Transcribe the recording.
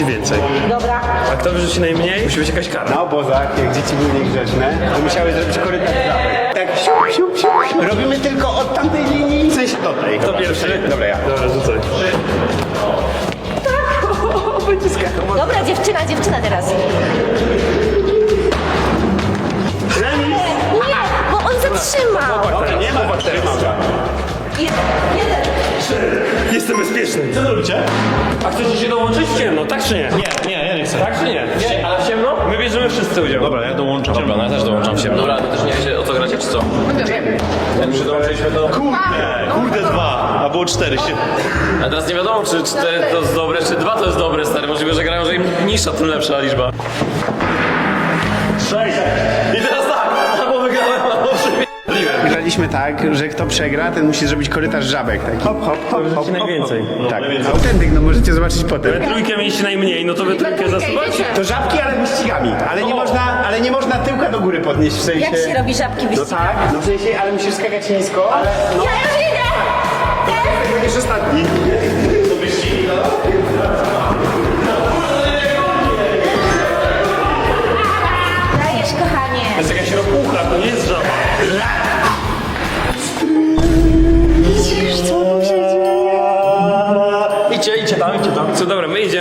więcej. Dobra. A kto wyrzuci najmniej, musi być jakaś kara. Na obozach, jak dzieci były niegrzeczne, to musiały zrobić korytarz żabek. Tak, siup, siup, siup. Robimy tylko od tamtej linii, w sensie do tej. Kto pierwszy? Dobra, ja. Dobra, rzucaj. Dobra, dziewczyna teraz. Remis! Nie, bo on zatrzymał. Dobra, nie ma. Jeden. Jestem bezpieczny. Co robicie? A chcecie się dołączyć w ciemno, tak czy nie? Nie, ja nie chcę. Tak czy nie? Nie. Ale w ciemno? My bierzemy wszyscy udział. Dobra, ja dołączam. Dobra, no ja też dołączam się. Dobra, to też nie wiecie o co gracie, czy co? Jak już dołączyliśmy do... Kurde, 2, a było 4 się. A teraz nie wiadomo, czy 4 to jest dobre, czy 2 to jest dobre, stary. Możliwe, że grają, że im niższa, tym lepsza liczba. 6. I teraz tak, albo wygrałem, albo przegrałem. Graliśmy tak, że kto przegra, ten musi zrobić korytarz żabek taki. Hop, hop, hop, hop, hop. najwięcej. Tak, autentyk, no możecie zobaczyć potem. We trójkę mieliście najmniej, no to we trójkę zasuwacie. To żabki, ale wyścigami. Ale nie można tyłka do góry podnieść, w sensie... Jak się robi żabki No wyścigowe? tak, no w sensie, ale musisz skakać nisko, ale... No, Ja już idę! będziesz ostatni. Dajesz, kochanie. To jest jakaś ropucha, to nie jest żaba. Widzisz, co mu się dzieje? Idźcie tam. Co dobra, my idziemy.